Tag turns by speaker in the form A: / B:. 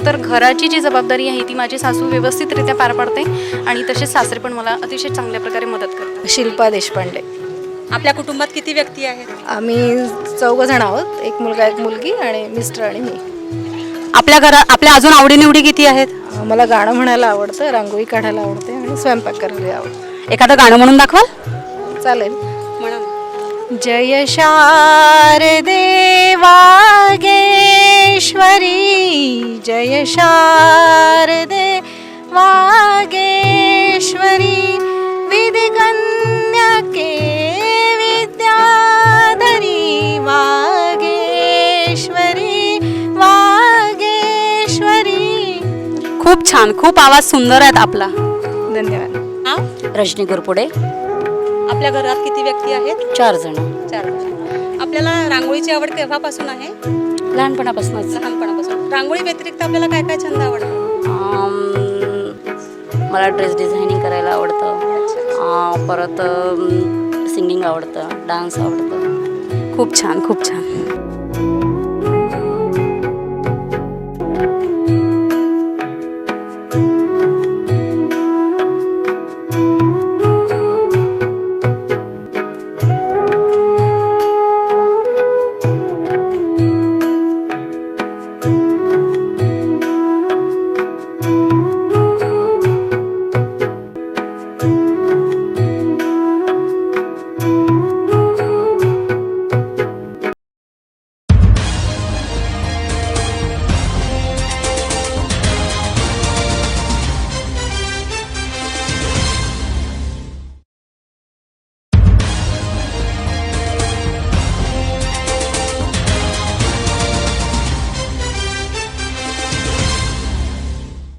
A: तर घराची जी जबाबदारी आहे ती माझी सासू व्यवस्थितरित्या पार पाडते आणि तसेच सासरे पण मला अतिशय चांगल्या प्रकारे मदत करतात.
B: शिल्पा देशपांडे.
C: आपल्या कुटुंबात किती व्यक्ती आहेत?
B: आम्ही 4 जण आहोत, एक मुलगा एक मुलगी आणि मिस्टर आणि मी.
C: आपल्या घरात आपल्या अजून आवडीनिवडी किती आहेत?
B: मला गाणं म्हणायला आवडतं, रांगोळी काढायला आवडते आणि स्वयंपाक करायला आवडतं.
C: एखादं गाणं म्हणून दाखवाल?
B: चालेल.
C: म्हणा.
B: जय शारदे वागेश्वरी, जय शारदे वागेश्वरी, विधिकन्यके विद्याधरी वागेश्वरी वागेश्वरी.
C: खूप छान, खूप आवाज सुंदर आहेत आपला.
B: धन्यवाद.
C: हा?
D: रजनी गुरपुडे.
C: आपल्या घरात किती व्यक्ती आहेत?
D: 4 जण.
C: 4. आपल्याला रांगोळीची आवड केव्हापासून आहे?
D: लहानपणापासूनच.
C: लहानपणापासून. रांगोळी व्यतिरिक्त आपल्याला काय काय छंद आवडतात?
D: मला ड्रेस डिझायनिंग करायला आवडतं, परत सिंगिंग आवडतं, डान्स आवडतं.
C: खूप छान, खूप छान.